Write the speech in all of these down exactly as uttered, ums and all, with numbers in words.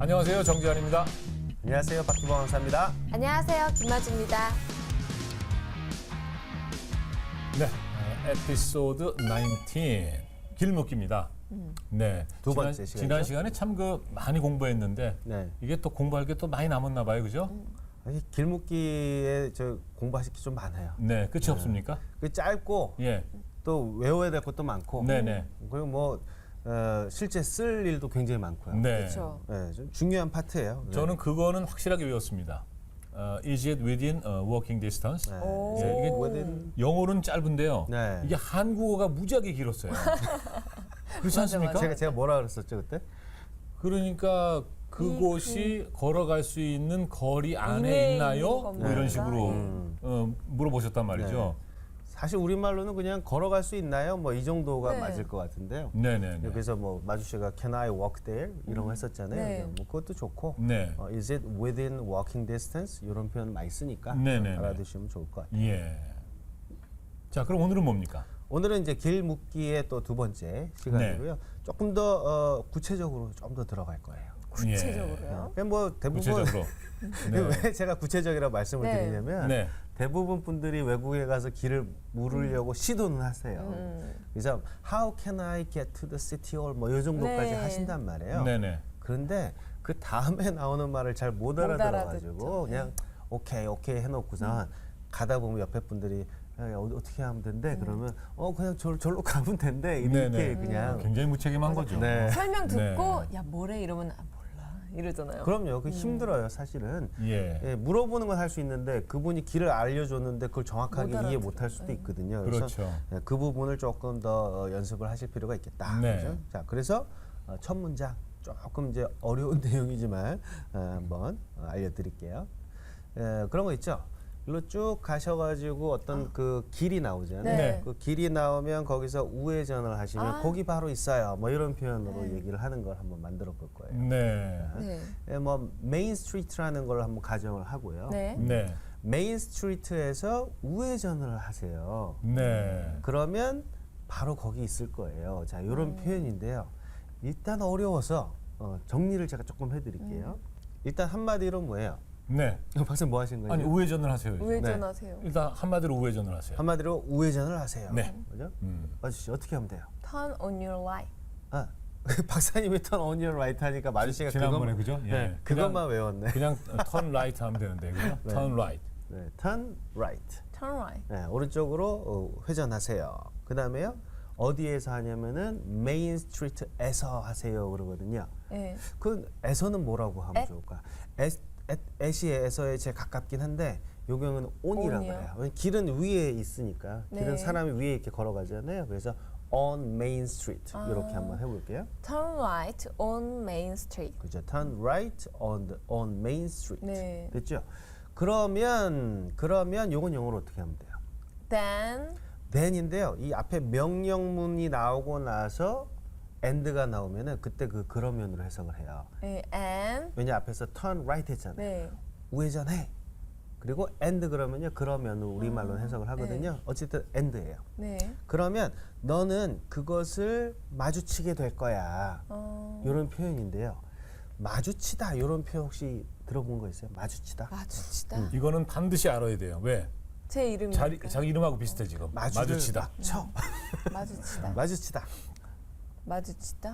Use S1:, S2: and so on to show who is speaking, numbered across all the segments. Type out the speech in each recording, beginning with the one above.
S1: 안녕하세요, 정지환입니다.
S2: 안녕하세요, 박기범 강사입니다.
S3: 안녕하세요, 김아주입니다.
S1: 네, 어, 에피소드 십구 길묶기입니다.
S3: 음.
S1: 네,
S2: 두
S1: 지난,
S2: 번째 시간이죠?
S1: 지난 시간에 참 그 많이 공부했는데
S2: 네.
S1: 이게 또 공부할 게 또 많이 남았나 봐요, 그죠?
S3: 음.
S2: 아니, 길묶기에 저 공부하실 게 좀 많아요.
S1: 네, 끝이 없습니까?
S2: 그 짧고
S1: 예,
S2: 또 외워야 될 것도 많고.
S1: 네네.
S2: 그리고 뭐 어, 실제 쓸 일도 굉장히 많고요.
S1: 네.
S3: 그렇죠.
S2: 네, 좀 중요한 파트예요. 네.
S1: 저는 그거는 확실하게 외웠습니다. 어, is it within uh, walking distance?
S2: 네.
S3: 오.
S1: 예, 이게
S2: within-
S1: 영어는 짧은데요.
S2: 네.
S1: 이게 한국어가 무지하게 길었어요. 그렇지 않습니까?
S2: 제가 제가 뭐라 그랬었죠 그때?
S1: 그러니까 그곳이 걸어갈 수 있는 거리 안에
S3: 이내에
S1: 있나요?
S3: 있는
S1: 뭐
S3: 겁니다.
S1: 이런 식으로
S2: 음.
S1: 어, 물어보셨단 말이죠.
S2: 사실 우리 말로는 그냥 걸어갈 수 있나요? 뭐 이 정도가
S3: 네.
S2: 맞을 것 같은데요.
S1: 네네네.
S2: 그래서 뭐 마주 씨가 Can I walk there 이런 거 했었잖아요.
S3: 네.
S2: 뭐 그것도 좋고.
S1: 네.
S2: 어, is it within walking distance 이런 표현 많이 쓰니까
S1: 네네네.
S2: 알아두시면 좋을 것 같아요.
S1: 예. 자, 그럼 오늘은 뭡니까?
S2: 오늘은 이제 길 묻기의 또 두 번째 시간이고요. 조금 더 어, 구체적으로 좀 더 들어갈 거예요.
S3: 구체적으로요?
S2: 그냥 뭐 대부분
S1: 구체적으로.
S2: 왜 제가 구체적이라고 말씀을
S3: 네.
S2: 드리냐면
S1: 네.
S2: 대부분 분들이 외국에 가서 길을 물으려고 시도는 하세요.
S3: 음.
S2: 그래서 How can I get to the city hall 뭐이 정도까지
S3: 네.
S2: 하신단 말이에요.
S1: 네네.
S2: 그런데 그 다음에 나오는 말을 잘 못 알아들어가지고
S3: 알아듣죠.
S2: 그냥 오케이 오케이 해놓고선 가다 보면 옆에 분들이 야, 어, 어떻게 하면 된대? 그러면 어 그냥 저, 절로 가면 된대 이렇게
S1: 네네.
S2: 그냥
S1: 굉장히 무책임한 거죠.
S2: 네.
S3: 설명 듣고
S1: 네.
S3: 야 뭐래 이러면 아, 몰라 이러잖아요.
S2: 그럼요. 그 힘들어요 사실은.
S1: 예.
S2: 예, 물어보는 건 할 수 있는데 그분이 길을 알려줬는데 그걸 정확하게
S3: 못
S2: 이해
S3: 알아들어요.
S2: 못 할 수도
S3: 네.
S2: 있거든요. 그래서
S1: 그렇죠.
S2: 예, 그 부분을 조금 더 어, 연습을 하실 필요가 있겠다.
S1: 네.
S2: 그죠? 자, 그래서 어, 첫 문장 조금 이제 어려운 내용이지만 어, 한번 어, 알려드릴게요. 예, 그런 거 있죠. 일로 쭉 가셔가지고 어떤 그 길이 나오잖아요.
S3: 네.
S2: 그 길이 나오면 거기서 우회전을 하시면
S3: 아.
S2: 거기 바로 있어요. 뭐 이런 표현으로
S3: 네.
S2: 얘기를 하는 걸 한번 만들어 볼 거예요.
S1: 네.
S3: 네.
S2: 예, 뭐 메인 스트리트라는 걸 한번 가정을 하고요.
S3: 네.
S1: 네.
S2: 메인 스트리트에서 우회전을 하세요.
S1: 네.
S2: 그러면 바로 거기 있을 거예요. 자, 이런
S3: 음.
S2: 표현인데요. 일단 어려워서 어, 정리를 제가 조금 해드릴게요.
S3: 음.
S2: 일단 한마디로 뭐예요?
S1: 네.
S2: 박사님 뭐 하신 거예요?
S1: 아니 우회전을 하세요. 이제.
S3: 우회전하세요.
S1: 일단 한마디로 우회전을 하세요.
S2: 한마디로 우회전을 하세요.
S1: 네.
S2: 그죠?
S1: 음.
S2: 마주 씨 어떻게 하면 돼요?
S3: Turn on your light.
S2: 아, 박사님이 턴 on your right 하니까 마주 씨가
S1: 지난번에
S2: 그것만-
S1: 그죠? 예.
S2: 네,
S1: 그냥-
S2: 그것만 외웠네.
S1: 그냥 turn right 하면 되는데 그죠?
S2: 네.
S1: turn right.
S2: 네, turn right.
S3: Turn right.
S2: 네, 오른쪽으로 어, 회전하세요. 그 다음에요. 어디에서 하냐면은 메인 스트리트에서 하세요 그러거든요.
S3: 네.
S2: 그 에서는 뭐라고 하면
S3: 에?
S2: 좋을까? 에, 에, 에시에 에서에 제일 가깝긴 한데 요 경우는 온이라고
S3: 온이요?
S2: 해요. 왜냐면 길은 위에 있으니까 길은
S3: 네.
S2: 사람이 위에 이렇게 걸어가잖아요. 그래서 on Main Street
S3: 아.
S2: 이렇게 한번 해볼게요.
S3: Turn right on Main Street.
S2: 그죠? Turn right on the, on Main Street.
S3: 네.
S2: 됐죠? 그러면 그러면 요건 영어로 어떻게 하면 돼요?
S3: Then
S2: then인데요. 이 앞에 명령문이 나오고 나서 and가 나오면은 그때 그 그러면으로 해석을 해요.
S3: 네, and
S2: 왜냐 앞에서 turn right 했잖아요.
S3: 네.
S2: 우회전해. 그리고 and 그러면요. 그러면으로 우리말로는 해석을 하거든요. 어쨌든 and예요.
S3: 네.
S2: 그러면 너는 그것을 마주치게 될 거야.
S3: 어,
S2: 이런 표현인데요. 마주치다 이런 표현 혹시 들어본 거 있어요? 마주치다.
S3: 마주치다.
S2: 음.
S1: 이거는 반드시 알아야 돼요. 왜?
S3: 제 이름이
S1: 자리, 자기 이름하고 비슷해 지금.
S2: 마주를
S1: 마주치다.
S2: 막 쳐.
S3: 마주치다.
S2: 마주치다.
S3: 마주치다.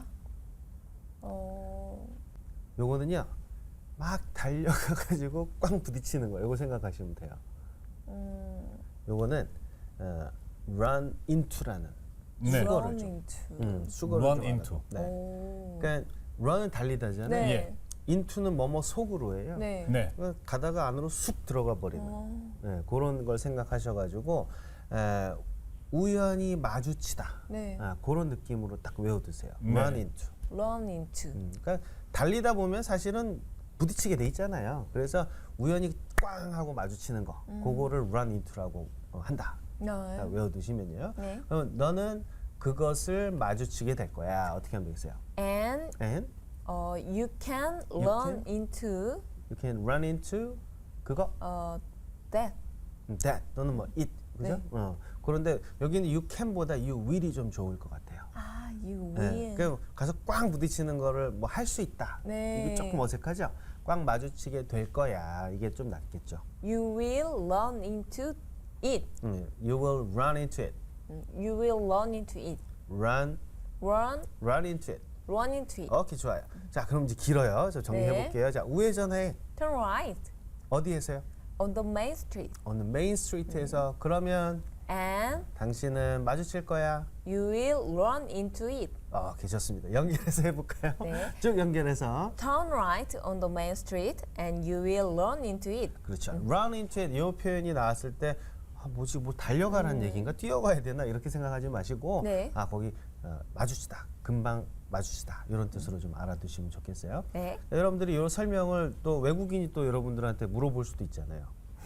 S3: 어,
S2: 요거는요. 막 달려가가지고 꽝 부딪히는 거. 요거 생각하시면 돼요.
S3: 음,
S2: 요거는 어, run into라는
S1: 네.
S2: 수거를
S3: run
S2: 좀.
S3: into.
S2: 음, 수거를
S1: run
S2: 좀
S1: into.
S2: 하는 거. 네.
S3: 오.
S2: 그러니까 run은 달리다잖아요.
S3: 네.
S1: 예.
S2: into는 뭐뭐 속으로 해요.
S3: 네.
S1: 네.
S2: 그러니까 가다가 안으로 쑥 들어가 버리는
S3: 어,
S2: 네, 그런 걸 생각하셔가지고 에, 우연히 마주치다.
S3: 네.
S2: 아, 그런 느낌으로 딱 외워두세요.
S1: 네.
S2: run into.
S3: run into.
S2: 음, 그러니까 달리다 보면 사실은 부딪히게 돼 있잖아요. 그래서 우연히 꽝 하고 마주치는 거, 그거를 run into라고 어, 한다.
S3: 네.
S2: 아, 외워두시면요.
S3: 네.
S2: 그럼 너는 그것을 마주치게 될 거야. 어떻게 하면 되겠어요?
S3: And
S2: And
S3: 어, you can
S2: You
S3: run
S2: can?
S3: into
S2: you can run into 그거
S3: 어, that.
S2: 음, that 또는 뭐 it 그죠?
S3: 네.
S2: 어. 그런데 여기는 you can보다 you will이 좀 좋을 것 같아요.
S3: 아, you
S2: 네,
S3: will.
S2: 그 가서 꽉 부딪히는 거를 뭐 할 수 있다.
S3: 네.
S2: 이게 조금 어색하죠? 꽉 마주치게 될 거야. 이게 좀 낫겠죠.
S3: You will run into it.
S2: 음, you will run into it.
S3: 음, You will run into it.
S2: run,
S3: Run,
S2: run into it.
S3: run into it.
S2: 오케이, 좋아요. 자, 그럼 이제 길어요. 저 정리해
S3: 네.
S2: 볼게요. 자, 우회전해.
S3: Turn right
S2: 어디에서요?
S3: on the main street.
S2: 어느 메인 스트리트에서. 그러면
S3: And
S2: 당신은 마주칠 거야.
S3: you will run into it.
S2: 어, 괜찮습니다. 연결해서 해볼까요?
S3: 네.
S2: 쭉 연결해서.
S3: Turn right on the main street and you will run into it.
S2: 그렇죠. run into it 이 표현이 나왔을 때 아, 뭐지 뭐 달려가라는 얘기인가 뛰어가야 되나 이렇게 생각하지 마시고
S3: 네.
S2: 아 거기 어, 마주치다 금방 마주치다 이런 뜻으로 좀 알아두시면 좋겠어요.
S3: 네.
S2: 여러분들이 이 설명을 또 외국인이 또 여러분들한테 물어볼 수도 있잖아요.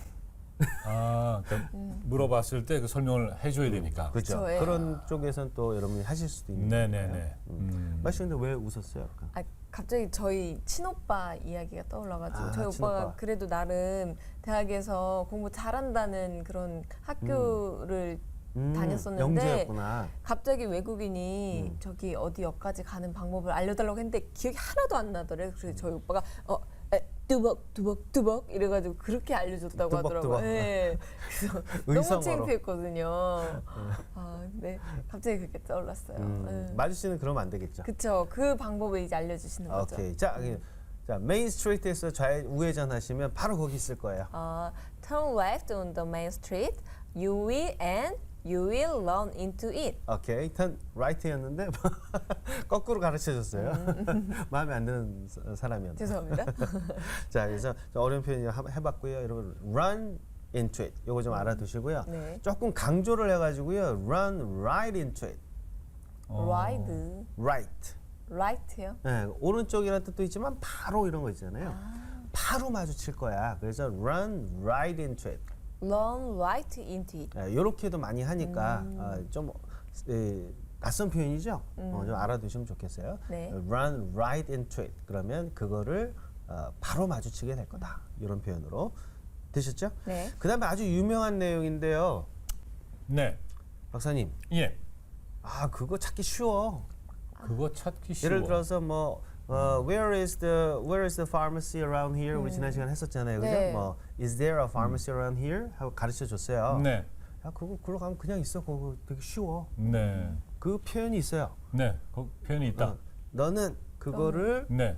S1: 아, 그러니까 물어봤을 때 그 설명을 해줘야 되니까.
S2: 그렇죠.
S3: 그쵸, 예.
S2: 그런 쪽에선 또 여러분이 하실 수도 있는
S1: 네네네.
S2: 거예요.
S1: 음.
S2: 마시 근데 왜 웃었어요? 아까?
S3: 아, 갑자기 저희 친오빠 이야기가 떠올라가지고
S2: 아,
S3: 저희
S2: 친오빠.
S3: 오빠가 그래도 나름 대학에서 공부 잘한다는 그런 학교를
S2: 음,
S3: 다녔었는데
S2: 영재였구나.
S3: 갑자기 외국인이
S2: 음.
S3: 저기 어디 역까지 가는 방법을 알려달라고 했는데 기억이 하나도 안 나더래요. 그래서 저희 오빠가 어 에, 뚜벅 뚜벅 뚜벅 이래가지고 그렇게 알려줬다고
S2: 뚜벅,
S3: 하더라고요.
S2: 뚜벅.
S3: 네. 그래서 너무
S2: 의성어로.
S3: 창피했거든요. 아, 네. 갑자기 그렇게 떠올랐어요.
S2: 음,
S3: 네.
S2: 마주 씨는 그러면 안 되겠죠.
S3: 그쵸. 그 방법을 이제 알려주시는 거죠.
S2: 오케이. 자,
S3: 음.
S2: 자 메인 스트리트에서 좌회 우회전 하시면 바로 거기 있을 거예요.
S3: 어, turn left on the main street. You will and you will run into it.
S2: 오케이. 턴 라이트였는데 거꾸로 가르쳐 줬어요. 마음에 안 드는 사- 사람이었나.
S3: 죄송합니다.
S2: 자, 그래서 좀 어려운 표현 해 봤고요. 여러분 run into it. 요거 좀 알아두시고요.
S3: 네.
S2: 조금 강조를 해 가지고요. run right into it.
S1: 어.
S3: Ride.
S2: right.
S3: Right요?
S2: 네, 오른쪽이라는 뜻도 있지만 바로 이런 거 있잖아요. 바로 마주칠 거야. 그래서 run right into it.
S3: Run right into it.
S2: 이렇게도 많이 하니까
S3: 음.
S2: 어, 좀 에, 낯선 표현이죠. 어, 좀 알아두시면 좋겠어요.
S3: 네.
S2: Run right into it. 그러면 그거를 어, 바로 마주치게 될 거다. 이런 표현으로 되셨죠?
S3: 네.
S2: 그다음에 아주 유명한 내용인데요,
S1: 네.
S2: 박사님.
S1: 예.
S2: 아 그거 찾기 쉬워.
S1: 그거 찾기 쉬워.
S2: 예를 들어서 뭐 어, Where is the Where is the pharmacy around here? 우리 지난 시간 했었잖아요, 그죠?
S3: 네.
S2: 뭐 Is there a pharmacy around here? 하고 가르쳐 줬어요.
S1: 네.
S2: 야 그거 그러 가면 그냥 있어. 그거 되게 쉬워.
S1: 네.
S2: 그 표현이 있어요.
S1: 네. 그 표현이 있다.
S2: 어, 너는 그거를
S1: 네.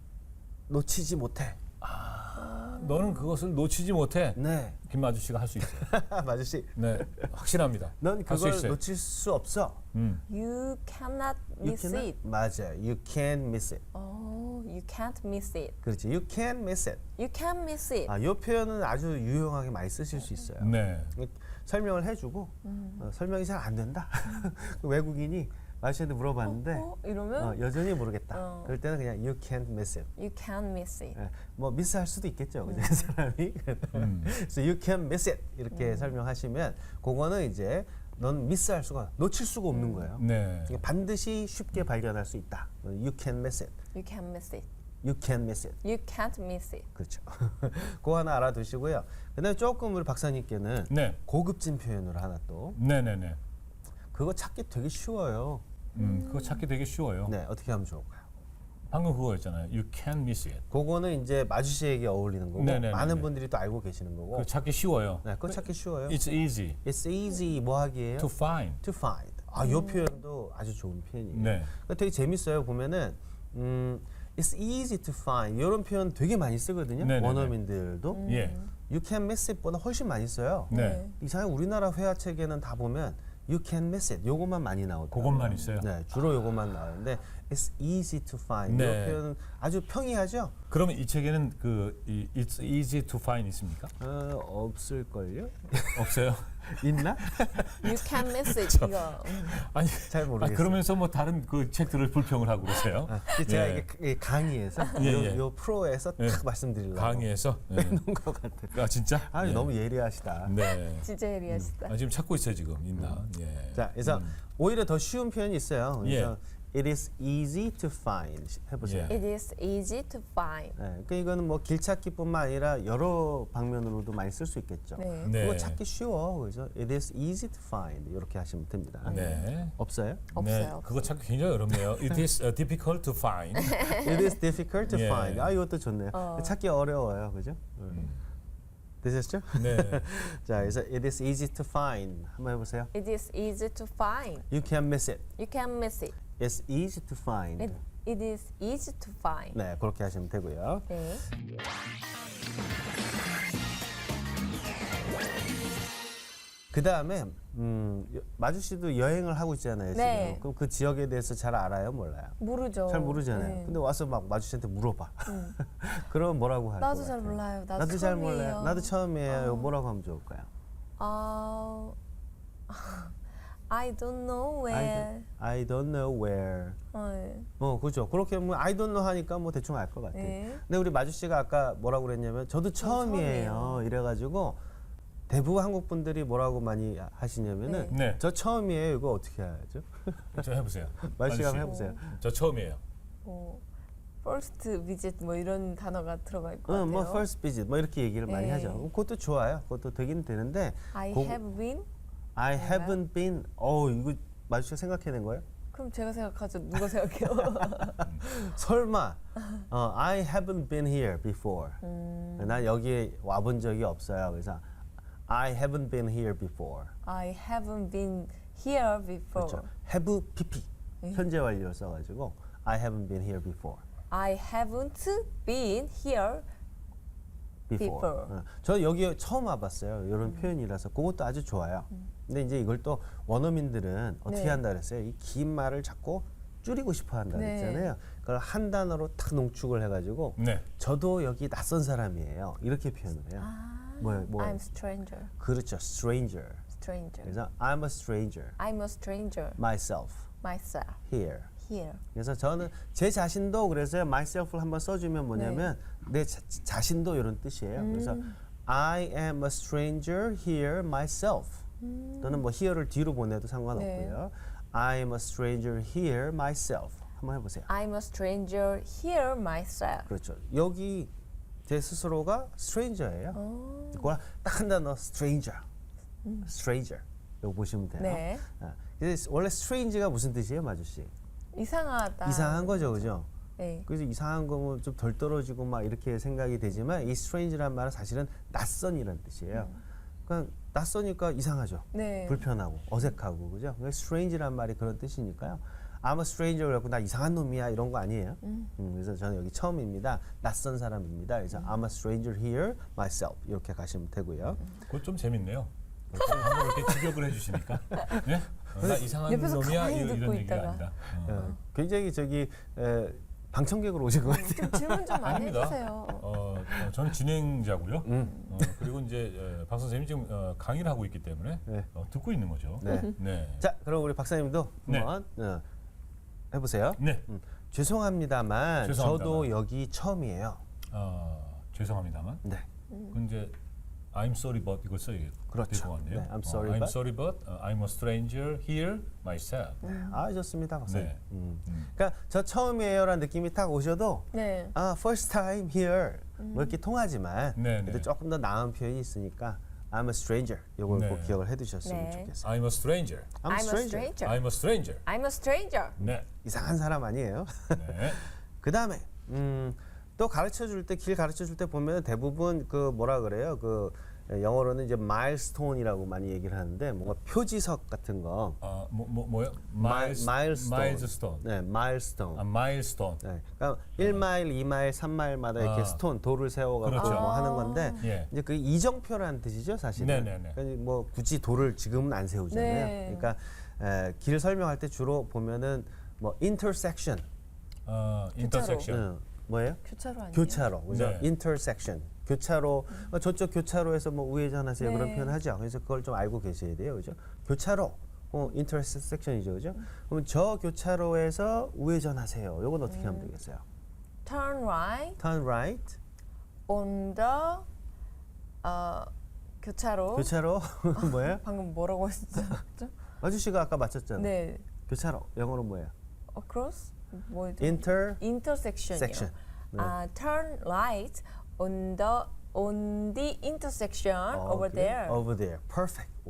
S2: 놓치지 못해.
S1: 너는 그것을 놓치지 못해.
S2: 네.
S1: 김마주 씨가 할 수 있어요.
S2: 마주씨,
S1: 네. 확실합니다.
S2: 넌
S1: 할 수
S2: 그걸
S1: 있어요.
S2: 놓칠 수 없어.
S1: 음.
S3: You cannot
S2: You
S3: miss
S2: cannot-
S3: it.
S2: 맞아요. You can't miss it.
S3: Oh, you can't miss it.
S2: 그렇지. You can't miss it.
S3: You can't miss it.
S2: 아, 이 표현은 아주 유용하게 많이 쓰실 수 있어요.
S1: 네.
S2: 설명을 해주고 어, 설명이 잘 안 된다. 그 외국인이 마주씨한테 물어봤는데
S3: 어? 이러면
S2: 어, 여전히 모르겠다.
S3: 어.
S2: 그럴 때는 그냥 You can't miss it.
S3: you can't miss it.
S2: 예, 뭐 미스할 수도 있겠죠, 그죠? 그 사람이.
S1: 음.
S2: 그래서 you can miss it 이렇게 설명하시면 그거는 이제 넌 미스할 수가 놓칠 수가 없는 거예요.
S1: 네.
S2: 이게 반드시 쉽게 발견할 수 있다. You can miss it.
S3: You can't miss it.
S2: You can miss it.
S3: You can't miss it.
S2: 그렇죠. 그거 하나 알아두시고요. 그다음에 조금 우리 박사님께는
S1: 네.
S2: 고급진 표현으로 하나 또
S1: 네, 네, 네.
S2: 그거 찾기 되게 쉬워요.
S1: 음, 그거 찾기 되게 쉬워요.
S2: 네, 어떻게 하면 좋을까요?
S1: 방금 그거였잖아요. You can't miss it.
S2: 그거는 이제 마주씨에게 어울리는 거고
S1: 네네네네.
S2: 많은 분들이 또 알고 계시는 거고.
S1: 그거 찾기 쉬워요.
S2: 네, 그거 찾기 쉬워요.
S1: It's easy
S2: It's easy 뭐 하기예요?
S1: to find.
S2: to find. 아, 이 표현도 아주 좋은 표현이에요.
S1: 네.
S2: 그러니까 되게 재밌어요. 보면은 음, it's easy to find 이런 표현 되게 많이 쓰거든요.
S1: 네네네.
S2: 원어민들도
S1: 예.
S2: you can miss it보다 훨씬 많이 써요.
S1: 네.
S2: 이상하게 우리나라 회화책에는 다 보면 you can miss it 요것만 많이 나오더라고요.
S1: 그것만 있어요.
S2: 네, 주로 요것만 나오는데 it's easy to find
S1: 네.
S2: 이 표현은 아주 평이하죠.
S1: 그러면 이 책에는 그 이, It's easy to find 있습니까?
S2: 어, 없을걸요?
S1: 없어요.
S2: 있나?
S3: You can't miss it. 이거. 음.
S1: 아니,
S2: 잘
S1: 아,
S2: 모르겠어요.
S1: 그러면서 뭐 다른 그 책들을 불평을 하고 그러세요.
S2: 아, 이게 제가
S1: 예.
S2: 이게 이 강의에서
S1: 예,
S2: 요,
S1: 예.
S2: 요 프로에서
S1: 예.
S2: 딱 말씀드리려고
S1: 강의에서. 예.
S2: 해놓은 것 같아요.
S1: 아 진짜?
S2: 아,
S1: 예.
S2: 너무 예리하시다.
S1: 네.
S3: 진짜 예리하시다.
S1: 아, 지금 찾고 있어요 지금 있나? 예.
S2: 자, 그래서 오히려 더 쉬운 표현이 있어요. 그래서 It is easy to find. 해보세요.
S1: 예.
S3: It is easy to find.
S2: 네, 그러니까 이거는 뭐 길찾기뿐만 아니라 여러 방면으로도 많이 쓸 수 있겠죠.
S3: 네.
S1: 네.
S2: 그거 찾기 쉬워, 그죠? It is easy to find 이렇게 하시면 됩니다.
S1: 네.
S2: 없어요?
S3: 없어요,
S1: 네,
S3: 없어요.
S1: 그거 찾기 굉장히 어렵네요. It is uh, difficult to find.
S2: It is difficult to
S1: 예.
S2: find. 아 이것도 좋네요.
S3: 어.
S2: 찾기 어려워요, 그죠?
S1: 음.
S2: 되셨죠?
S1: 네.
S2: 자, 그래서 it is easy to find 한번 해보세요.
S3: It is easy to find.
S2: You can miss it.
S3: You can miss it.
S2: It's easy to find.
S3: It, it is easy to find.
S2: 네, 그렇게 하시면 되고요.
S3: 네.
S2: 그 다음에 음, 여- 마주 씨도 여행을 하고 있잖아요. 지금.
S3: 네.
S2: 그럼 그 지역에 대해서 잘 알아요, 몰라요?
S3: 모르죠.
S2: 잘 모르잖아요.
S3: 네.
S2: 근데 와서 막 마주 씨한테 물어봐. 그러면 뭐라고 할 것
S3: 나도
S2: 같아요?
S3: 잘 몰라요. 나도,
S2: 나도 잘
S3: 처음이에요.
S2: 몰라요. 나도 처음이에요.
S3: 어.
S2: 뭐라고 하면 좋을까요?
S3: 아, I don't know
S2: I
S3: where.
S2: don't, I don't know where.
S3: 어, 네.
S2: 뭐 그죠. 그렇게 뭐 I don't know 하니까 뭐 대충 알 것 같아요.
S3: 네.
S2: 근데 우리 마주 씨가 아까 뭐라고 그랬냐면 저도 처음이에요.
S3: 처음이에요.
S2: 이래가지고 대부분 한국 분들이 뭐라고 많이 하시냐면은
S1: 네.
S2: 저 처음이에요. 이거 어떻게 해야죠?
S1: 저 해보세요.
S2: 마주 씨가
S1: 씨.
S2: 한번 해보세요.
S1: 저 처음이에요.
S3: 뭐 first visit 뭐 이런 단어가 들어갈 것
S2: 응,
S3: 같아요.
S2: 뭐 first visit 뭐 이렇게 얘기를 많이
S3: 네.
S2: 하죠. 그것도 좋아요. 그것도 되긴 되는데
S3: I
S2: 고-
S3: have been.
S2: I
S3: 그런가요?
S2: haven't been. 어 이거 마주 씨가 생각해낸 거예요?
S3: 그럼 제가 생각하죠. 누가 생각해요?
S2: 설마 어, I haven't been here before.
S3: 음.
S2: 난 여기에 와본 적이 없어요. 그래서 I haven't been here before.
S3: I haven't been here before.
S2: 그렇죠. have pp
S3: 네.
S2: 현재 완료를 써가지고 I haven't been here before.
S3: I haven't been here.
S2: Before.
S3: Before.
S2: 어, 저 여기 처음 와봤어요. 이런
S3: 음.
S2: 표현이라서 그것도 아주 좋아요. 근데 이제 이걸 또 원어민들은 어떻게
S3: 네.
S2: 한다 그랬어요? 이 긴 말을 자꾸 줄이고 싶어 한다
S3: 네.
S2: 그랬잖아요. 그걸 한 단어로 탁 농축을 해가지고
S1: 네.
S2: 저도 여기 낯선 사람이에요. 이렇게 표현을 해요.
S3: 아,
S2: 뭐예요? 뭐예요?
S3: I'm stranger.
S2: 그렇죠. stranger.
S3: Stranger.
S2: 그래서 I'm a stranger
S3: I'm a stranger
S2: myself
S3: myself
S2: here.
S3: here.
S2: 그래서 저는 제 자신도 그래서 myself를 한번 써주면 뭐냐면 내 자, 자신도 이런 뜻이에요. 그래서 I am a stranger here myself. 또는 뭐 here를 뒤로 보내도 상관없고요. I am a stranger here myself. 한번 해보세요.
S3: I'm a stranger here myself.
S2: 그렇죠. 여기 제 스스로가 stranger예요. 그걸 딱 한 단어 stranger, stranger. 이거 보시면 돼요.
S3: 네.
S2: 아, 그래서 원래 strange가 무슨 뜻이에요, 마주 씨?
S3: 이상하다.
S2: 이상한 거죠, 그죠?
S3: 네.
S2: 그래서 이상한 거면 좀 덜 떨어지고 막 이렇게 생각이 되지만 이 strange란 말은 사실은 낯선이라는 뜻이에요. 그러니까 낯서니까 이상하죠.
S3: 네.
S2: 불편하고 어색하고 그죠? 그러니까 strange란 말이 그런 뜻이니까요. I'm a stranger 그래갖고 나 이상한 놈이야 이런 거 아니에요. 음, 그래서 저는 여기 처음입니다. 낯선 사람입니다. 그래서 I'm a stranger here myself 이렇게 가시면 되고요.
S1: 그거 좀 재밌네요. 좀 한번 이렇게 직역을 해주시니까. 네? 어, 나 이상한
S3: 옆에서
S1: 놈이야
S3: 가만히
S1: 이-
S3: 듣고
S1: 이런 얘기가
S3: 있다가.
S1: 아니다. 어.
S2: 어, 굉장히 저기 에, 방청객으로 오신 것 같아요.
S3: 좀 질문 좀 많이
S1: 아닙니다.
S3: 해주세요.
S1: 어, 어, 저는 진행자고요.
S2: 음.
S1: 어, 그리고 이제 어, 박 선생님이 지금 어, 강의를 하고 있기 때문에
S2: 네.
S1: 어, 듣고 있는 거죠.
S2: 네.
S1: 네.
S2: 자, 그럼 우리 박사님도
S1: 네.
S2: 한번 어, 해보세요.
S1: 네.
S2: 음, 죄송합니다만
S1: 죄송합니다만.
S2: 저도 여기 처음이에요.
S1: 어, 죄송합니다만.
S2: 네.
S1: 그 이제 I'm sorry but 이걸 써야겠
S2: 그렇죠.
S1: 될것 같네요.
S2: 네, I'm sorry
S1: 어, I'm
S2: but.
S1: sorry but uh, I'm a stranger here myself.
S2: 아 좋습니다, 박사님.
S1: 네.
S2: 음.
S1: 음.
S2: 그러니까 저 처음이에요라는 느낌이 딱 오셔도
S3: 네.
S2: 아 first time here 뭐 이렇게 통하지만
S1: 네,
S2: 그래도
S1: 네.
S2: 조금 더 나은 표현이 있으니까 I'm a stranger 이걸
S1: 네.
S2: 꼭 기억을 해두셨으면
S3: 네.
S2: 좋겠어요.
S1: I'm a stranger.
S2: I'm, a stranger.
S3: stranger.
S1: I'm a stranger.
S3: I'm a stranger.
S1: 네.
S2: 이상한 사람 아니에요.
S1: 네.
S2: 그 다음에 음, 또 가르쳐 줄 때 길 가르쳐 줄 때 보면 대부분 그 뭐라 그래요 그 영어로는 이제 마일스톤이라고 많이 얘기를 하는데 뭔가 표지석 같은 거.
S1: 어, 뭐, 뭐 뭐요?
S2: 마일-
S1: Miles-
S2: 마일스톤.
S1: milestone.
S2: 네, 마일스톤.
S1: 아, milestone.
S2: 네, 그러니까 일 마일, 이 마일, 삼 마일마다 이렇게
S1: 아.
S2: 스톤 돌을 세워가지고
S1: 그렇죠.
S2: 뭐 하는 건데
S1: 예.
S2: 이제 그 이정표라는 뜻이죠, 사실은.
S1: 네네네.
S2: 그러니까 뭐 굳이 돌을 지금은 안 세우잖아요.
S3: 네.
S2: 그러니까 에, 길 설명할 때 주로 보면은 뭐 intersection,
S1: 어, intersection.
S2: 응, 뭐예요?
S3: 교차로 아니에요?
S2: 교차로, 그죠?
S1: 네.
S2: intersection. 교차로 어, 저쪽 교차로에서 뭐 우회전하세요
S3: 네.
S2: 그런 표현 하죠. 그래서 그걸 좀 알고 계셔야 돼요, 그죠? 교차로, 어, intersection이죠, 그죠? 그러면 저 교차로에서 우회전하세요. 이건 어떻게 하면 되겠어요?
S3: Turn right
S2: Turn right,
S3: on the 어, 교차로.
S2: 교차로 뭐예요?
S3: 방금 뭐라고 했었죠?
S2: 아저씨가 아까 맞췄잖아요.
S3: 네.
S2: 교차로 영어로 뭐예요?
S3: across 뭐죠?
S2: inter
S3: intersection이요.
S2: section. 네.
S3: 아, turn right on the on the intersection
S2: 어,
S3: over
S2: 그래?
S3: there.
S2: over there. perfect. 오.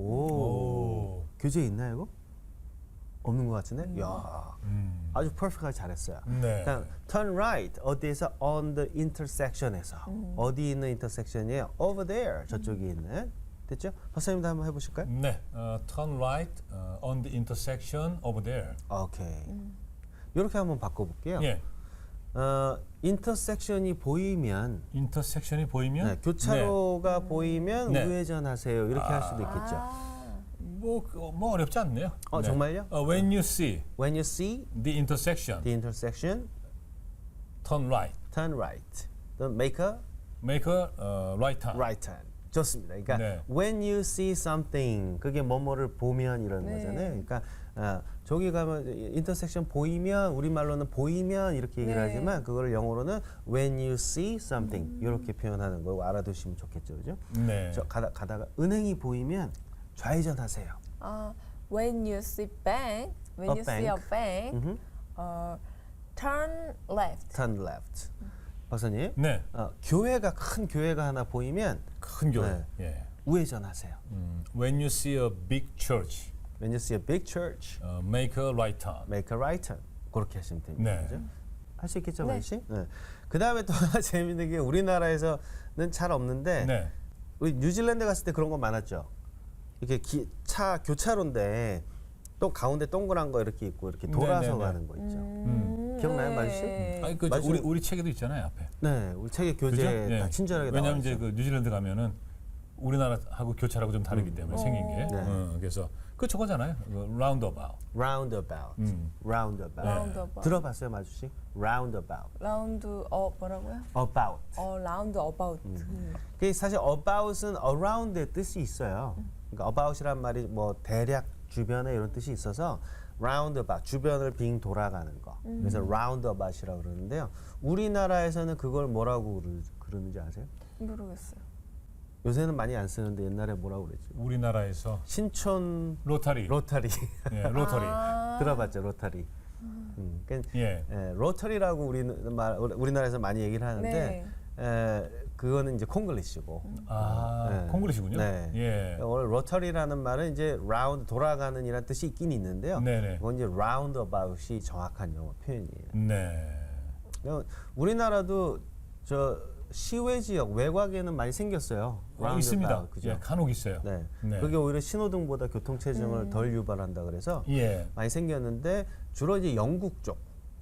S1: 오.
S2: 교재 있나 이거? 없는 것 같은데? 야,
S1: 음.
S2: 아주 퍼펙트하게 잘했어요.
S1: 네.
S2: 그러니까 turn right 어디에서 on the intersection에서 어디 있는 intersection이에요? over there 저쪽에 있는 됐죠? 박사님도 한번 해보실까요?
S1: 네. 어, turn right 어, on the intersection over there.
S2: 오케이. 이렇게 한번 바꿔볼게요.
S1: 예.
S2: 어, intersection이 보이면
S1: 인터섹션이 보이면
S2: 네, 교차로가 보이면
S1: 네.
S2: 우회전하세요. 이렇게 할 수도 있겠죠.
S3: 아,
S1: 뭐, 그, 뭐 어렵지 않네요.
S2: 어, 정말요?
S1: 어, when you see
S2: When you see
S1: the intersection,
S2: the intersection,
S1: turn right.
S2: turn right. Then make a
S1: Make a uh, right turn.
S2: right turn. 좋습니다. 그러니까
S1: 네.
S2: when you see something 그게 뭐뭐를 보면 이런
S3: 네.
S2: 거잖아요. 그러니까 어, 저기 가면 인터섹션 보이면 우리말로는 보이면 이렇게 얘기를
S3: 네.
S2: 하지만 그거를 영어로는 when you see something 이렇게 표현하는 거 알아두시면 좋겠죠, 그죠?
S1: 네.
S2: 저 가다 가다가 은행이 보이면 좌회전하세요.
S3: 아, when you see bank, when
S2: A
S3: you see a
S2: bank.
S3: bank,
S2: 음흠.
S3: 어, turn left.
S2: turn left. 박사님,
S1: 네.
S2: 어, 교회가 큰 교회가 하나 보이면
S1: 큰 교회.
S2: 네.
S1: 예.
S2: 우회전하세요.
S1: 음, when you see a big church,
S2: When you see a big church,
S1: uh, make a right turn.
S2: make a right turn. 그렇게 하시면 됩니다.
S1: 네.
S2: 그죠? 할 수 있겠죠,
S3: 네.
S2: 마이 씨? 네. 그 다음에 또 하나 재밌는 게 우리나라에서는 잘 없는데
S1: 네.
S2: 우리 뉴질랜드 갔을 때 그런 거 많았죠. 이렇게 기, 차 교차로인데 또 가운데 동그란 거 이렇게 있고 이렇게 돌아서
S1: 네, 네, 네.
S2: 가는 거 있죠.
S3: 음,
S2: 기억나요,
S3: 네.
S2: 마주씨?
S1: 아니 그
S2: 맞아요.
S1: 우리 우리 책에도 있잖아요 앞에.
S2: 네, 우리 책에
S1: 그죠?
S2: 교재
S1: 예.
S2: 다 친절하게 나와
S1: 왜냐하면
S2: 있죠.
S1: 이제 그 뉴질랜드 가면은 우리나라하고 교차라고 좀 다르기 때문에 생긴 게.
S2: 네.
S1: 어, 그래서 그 저거잖아요. 그 roundabout.
S2: roundabout,
S1: 음.
S2: roundabout.
S1: 네.
S3: roundabout.
S2: 들어봤어요, 마주씨? roundabout,
S3: round 어 뭐라고요?
S2: about.
S3: 어 round about.
S2: 그 사실 about은 around의 뜻이 있어요. 그러니까 about이란 말이 뭐 대략 주변에 이런 뜻이 있어서 roundabout 주변을 빙 돌아가는 거. 그래서 roundabout이라고 그러는데요. 우리나라에서는 그걸 뭐라고 그러- 그러는지 아세요?
S3: 모르겠어요.
S2: 요새는 많이 안 쓰는데 옛날에 뭐라고 그랬지?
S1: 우리나라에서
S2: 신촌
S1: 로타리.
S2: 로타리
S1: 예, 로터리.
S3: 아,
S2: 들어봤죠, 로타리. 음, 그러니까
S1: 예.
S2: 에, 로터리라고 우리 말 우리나라에서 많이 얘기를 하는데
S3: 네.
S2: 에, 그거는 이제 콩글리시고.
S1: 아,
S2: 네.
S1: 콩글리시군요.
S2: 네.
S1: 예.
S2: 오늘 로터리라는 말은 이제 라운드 돌아가는 이란 뜻이 있긴 있는데요.
S1: 네네.
S2: 그건 이제 roundabout이 정확한 영어 표현이에요.
S1: 네.
S2: 그러니까 우리나라도 저 시외 지역 외곽에는 많이 생겼어요.
S1: 어, 있습니다.
S2: roundabout, 그죠?
S1: 예, 간혹 있어요.
S2: 네.
S1: 네.
S2: 그게 오히려 신호등보다 교통 체증을
S3: 음.
S2: 덜 유발한다 그래서
S1: 예.
S2: 많이 생겼는데 주로 이제 영국 쪽,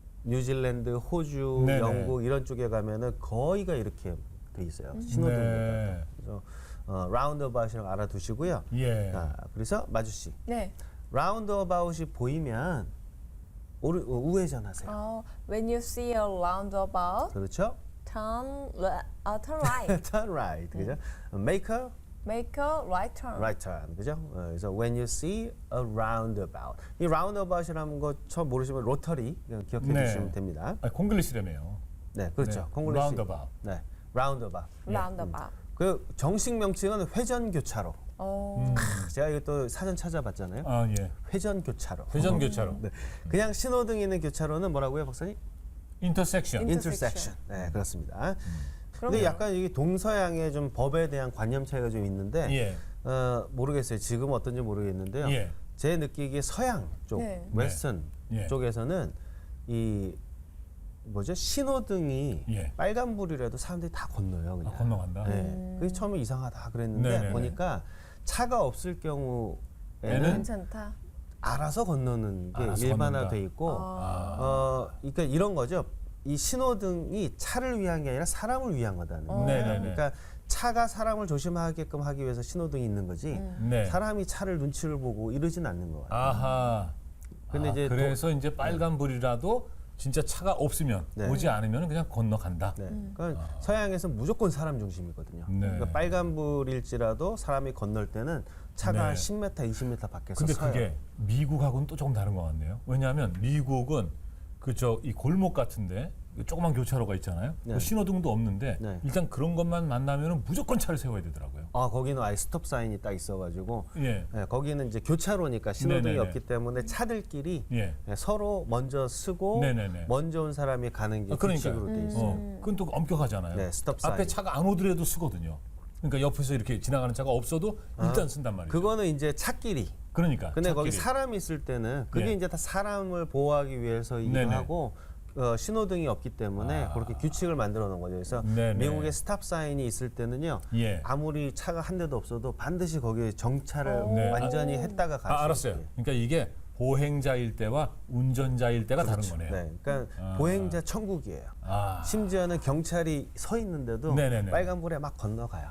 S2: 뉴질랜드, 호주,
S1: 네네.
S2: 영국 이런 쪽에 가면은 거의가 이렇게 돼 있어요. 신호등보다.
S1: 네.
S2: 그래서 어, roundabout이라고 알아두시고요.
S1: 예.
S2: 자, 그래서 마주 씨,
S3: 네.
S2: roundabout이 보이면 오르, 어, 우회전하세요.
S3: 어, when you see a roundabout,
S2: 그렇죠?
S3: turn le- uh, turn right.
S2: turn right, 그죠? make a
S3: Make a right turn.
S2: right turn, 그죠? 어, 그래서 when you see a roundabout, 이 roundabout이라는 거 처음 모르시면 로터리 그냥 기억해
S1: 네.
S2: 주시면 됩니다.
S1: 아, 콩글리시라며요.
S2: 네, 그렇죠.
S1: 네.
S2: 콩글리시.
S1: roundabout.
S2: 네, roundabout.
S3: roundabout.
S2: 그 정식 명칭은 회전 교차로.
S3: 어,
S1: 음.
S2: 제가 이거 또 사전 찾아봤잖아요.
S1: 아, 예.
S2: 회전 교차로.
S1: 회전 교차로.
S2: 네. 그냥 신호등 있는 교차로는 뭐라고요, 박사님?
S1: 인터섹션.
S3: Intersection.
S2: intersection. 네, 그렇습니다.
S3: 그럼요.
S2: 근데 약간 이게 동서양의 좀 법에 대한 관념 차이가 좀 있는데
S1: 예.
S2: 어, 모르겠어요. 지금 어떤지 모르겠는데요.
S1: 예.
S2: 제 느끼기에 서양 쪽,
S3: 네.
S2: 웨스턴
S1: 예.
S2: 쪽에서는 이 뭐죠? 신호등이
S1: 예.
S2: 빨간불이라도 사람들이 다 건너요, 그냥.
S1: 아, 건너간다.
S2: 네. 그게 처음에 이상하다 그랬는데
S1: 네네네.
S2: 보니까 차가 없을 경우에는
S1: 얘는
S3: 괜찮다.
S2: 알아서 건너는 게
S1: 알아서
S2: 일반화돼
S1: 건넌다.
S2: 있고
S3: 아.
S2: 어 그러니까 이런 거죠. 이 신호등이 차를 위한 게 아니라 사람을 위한 거다는 거예요.
S1: 네네네.
S2: 그러니까 차가 사람을 조심하게끔 하기 위해서 신호등이 있는 거지
S1: 네.
S2: 사람이 차를 눈치를 보고 이러진 않는 거예요.
S1: 아하.
S2: 근데
S1: 아,
S2: 이제
S1: 그래서 이제 빨간 불이라도 진짜 차가 없으면
S2: 네.
S1: 오지 않으면 그냥 건너간다.
S2: 네. 그러니까 서양에서는 무조건 사람 중심이거든요.
S1: 네.
S2: 그러니까 빨간불일지라도 사람이 건널 때는 차가
S1: 네.
S2: 한 십 미터, 이십 미터 밖에서
S1: 근데
S2: 서요.
S1: 그게 미국하고는 또 조금 다른 것 같네요. 왜냐하면 미국은 그저 이 골목 같은데 조그만 교차로가 있잖아요.
S2: 네.
S1: 뭐 신호등도 없는데
S2: 네.
S1: 일단 그런 것만 만나면은 무조건 차를 세워야 되더라고요.
S2: 아 거기는 아예 스톱 사인이 딱 있어가지고
S1: 예.
S2: 예, 거기는 이제 교차로니까 신호등이
S1: 네네네.
S2: 없기 때문에 차들끼리
S1: 예.
S2: 예, 서로 먼저 쓰고
S1: 네네네.
S2: 먼저 온 사람이 가는 게
S1: 아, 그러니까요.
S2: 규칙으로 돼
S3: 음.
S2: 있어요.
S1: 어, 그건 또 엄격하잖아요.
S2: 네, 스톱
S1: 앞에
S2: 사인.
S1: 차가 안 오더라도 쓰거든요. 그러니까 옆에서 이렇게 지나가는 차가 없어도 일단 쓴단 말이죠.
S2: 그거는 이제 차끼리.
S1: 그러니까.
S2: 근데 거기
S1: 차끼리.
S2: 사람이 있을 때는 그게
S1: 예.
S2: 이제 다 사람을 보호하기 위해서이기도
S1: 네네.
S2: 하고 어, 신호등이 없기 때문에
S1: 아.
S2: 그렇게 규칙을 만들어 놓은 거죠. 그래서
S1: 네네.
S2: 미국의 스탑 사인이 있을 때는요.
S1: 예.
S2: 아무리 차가 한 대도 없어도 반드시 거기에 정차를
S1: 네.
S2: 완전히 했다가 가시죠.
S1: 아, 알았어요. 그러니까 이게 보행자일 때와 운전자일 때가 다른 거네요.
S2: 네, 그러니까
S1: 아.
S2: 보행자 천국이에요.
S1: 아.
S2: 심지어는 경찰이 서 있는데도
S1: 네네네.
S2: 빨간불에 막 건너가요.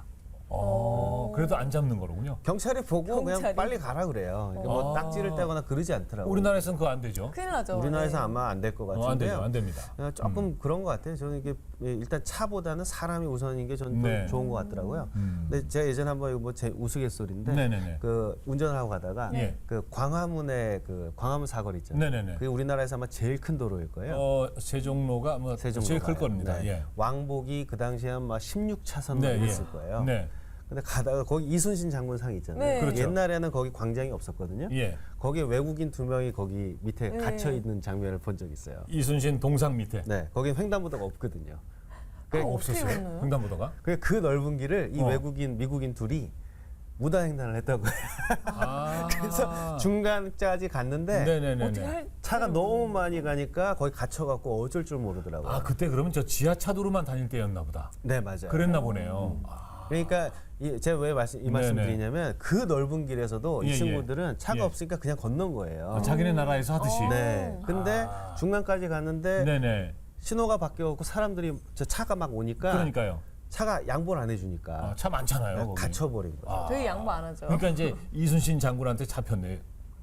S1: 어, 그래도 안 잡는 거로군요.
S2: 경찰이 보고 그냥
S3: 경찰이?
S2: 빨리 가라 그래요. 그러니까 뭐
S1: 아.
S2: 딱지를 떼거나 그러지 않더라고요.
S1: 우리나라에서는 그거 안 되죠.
S3: 큰일 나죠.
S2: 우리나라에서
S3: 네.
S2: 아마 안 될 것
S1: 어, 안
S2: 같은데요.
S1: 되죠. 안 됩니다.
S2: 어, 조금 그런 것 같아요. 저는 이게 예, 일단 차보다는 사람이 우선인 게 저는 또
S1: 네.
S2: 좋은 것 같더라고요.
S1: 음.
S2: 근데 제가 예전에 한번 이거 뭐제 우스갯소리인데
S1: 네네네.
S2: 그 운전을 하고 가다가
S1: 예.
S2: 그 광화문에 그 광화문 사거리 있잖아요.
S1: 네네네.
S2: 그게 우리나라에서 아마 제일 큰 도로일 거예요.
S1: 어, 세종로가 뭐
S2: 세종로가요.
S1: 제일 클 겁니다.
S2: 네.
S1: 예.
S2: 왕복이 그 당시에 막 십육 차선
S1: 네, 예.
S2: 있을 거예요.
S1: 네.
S2: 근데 가다가 거기 이순신 장군상 있잖아요.
S3: 네.
S1: 그렇죠.
S2: 옛날에는 거기 광장이 없었거든요.
S1: 예.
S2: 거기에 외국인 두 명이 거기 밑에
S3: 네.
S2: 갇혀 있는 장면을 본 적 있어요.
S1: 이순신 동상 밑에.
S2: 네, 거긴 횡단보도가 없거든요. 그,
S3: 아,
S1: 없었어요.
S3: 어떻게 건너요?
S1: 횡단보도가?
S2: 그, 그 넓은 길을 이
S1: 어.
S2: 외국인 미국인 둘이 무단횡단을 했다고 해요.
S1: 아.
S2: 그래서 중간까지 갔는데
S1: 네네네.
S3: 어떻게 할
S2: 차가 너무 많이 가니까 거기 갇혀갖고 어쩔 줄 모르더라고요.
S1: 아, 그때 그러면 저 지하차도로만 다닐 때였나 보다.
S2: 네, 맞아요.
S1: 그랬나 보네요. 아.
S2: 그러니까 이, 제가 왜 말씀, 이 말씀
S1: 네네.
S2: 드리냐면 그 넓은 길에서도
S1: 예,
S2: 이
S1: 예.
S2: 친구들은 차가
S1: 예.
S2: 없으니까 그냥 건넌 거예요.
S1: 아, 자기네 나라에서 하듯이.
S2: 네. 근데
S1: 아.
S2: 중간까지 갔는데
S1: 네네.
S2: 신호가 바뀌어갖고 사람들이 저 차가 막 오니까
S1: 그러니까요.
S2: 차가 양보를 안 해주니까
S1: 아, 차 많잖아요.
S2: 그냥
S1: 거기.
S2: 갇혀버린 거죠.
S1: 아.
S3: 저희 양보 안 하죠.
S1: 그러니까 이제 이순신 장군한테 잡혔네.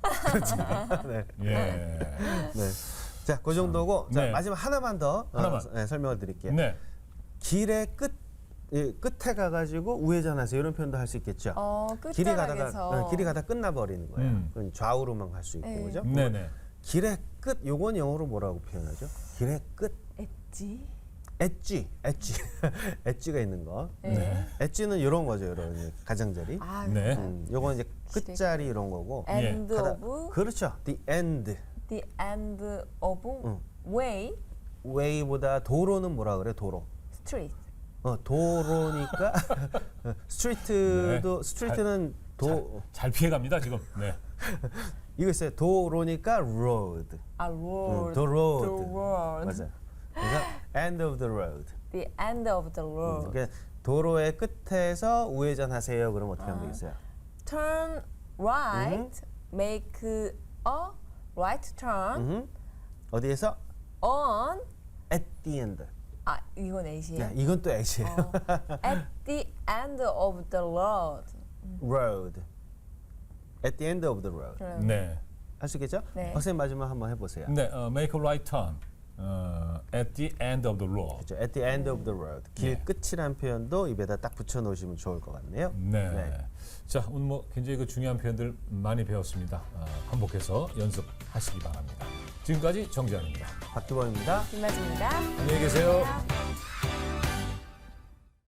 S2: 네.
S1: 예.
S2: 네. 자, 그 정도고 자,
S1: 네.
S2: 마지막 하나만 더
S1: 하나만.
S2: 어, 네, 설명을 드릴게요.
S1: 네.
S2: 길의 끝 예, 끝에 가가지고 우회전하세요 이런 표현도 할 수 있겠죠.
S3: 어,
S2: 길이 가다가
S3: 끝자락에서
S2: 어, 길이 가다 끝나버리는 거예요.
S1: 음.
S2: 그건 좌우로만 갈 수 있고
S3: 네.
S2: 그죠?
S1: 네네.
S2: 길의 끝 요건 영어로 뭐라고 표현하죠? 길의 끝
S3: 엣지.
S2: 엣지 엣지 엣지가 있는 거.
S3: 네.
S2: 엣지는 이런 거죠, 이런 가장자리.
S3: 아,
S1: 네.
S2: 음, 요건 이제 끝자리 이런 거고.
S3: end
S2: 가다-
S3: of
S2: 그렇죠. The end.
S3: the end of
S2: 응.
S3: way
S2: way보다 도로는 뭐라 그래? 도로.
S3: street.
S2: 어, 도로니까 스트리트도
S1: 네.
S2: 스트리트는 도
S1: 잘 피해갑니다 지금. 네.
S2: 이거 있어요. 도로니까 road.
S3: 아, road.
S2: 음, the road.
S3: The road.
S2: 맞아요. 그래서 end of the road.
S3: The end of the road.
S2: 그러니까 도로의 끝에서 우회전하세요. 그럼 어떻게
S3: 아.
S2: 하면 되겠어요?
S3: Turn right, make a right turn
S2: 음. 어디에서?
S3: on.
S2: at the end.
S3: 아, 이건 A시에요.
S2: 야, 이건 또 X예요.
S3: 어. At the end of the road.
S2: road. at the end of the road.
S3: 그럼
S1: 네.
S2: 할 수 있겠죠?
S3: 네.
S2: 박사님 마지막 한번 해보세요.
S1: 네. 어, make a right turn 어, at the end of the road.
S2: 그렇죠. at the end of the road. 길
S1: 네.
S2: 끝이란 표현도 입에다 딱 붙여 놓으시면 좋을 것 같네요.
S1: 네.
S2: 네.
S1: 자, 오늘 뭐 굉장히 그 중요한 표현들 많이 배웠습니다. 어, 반복해서 연습하시기 바랍니다. 지금까지 정재환입니다.
S2: 박기범입니다.
S3: 김마지입니다.
S1: 안녕히 계세요.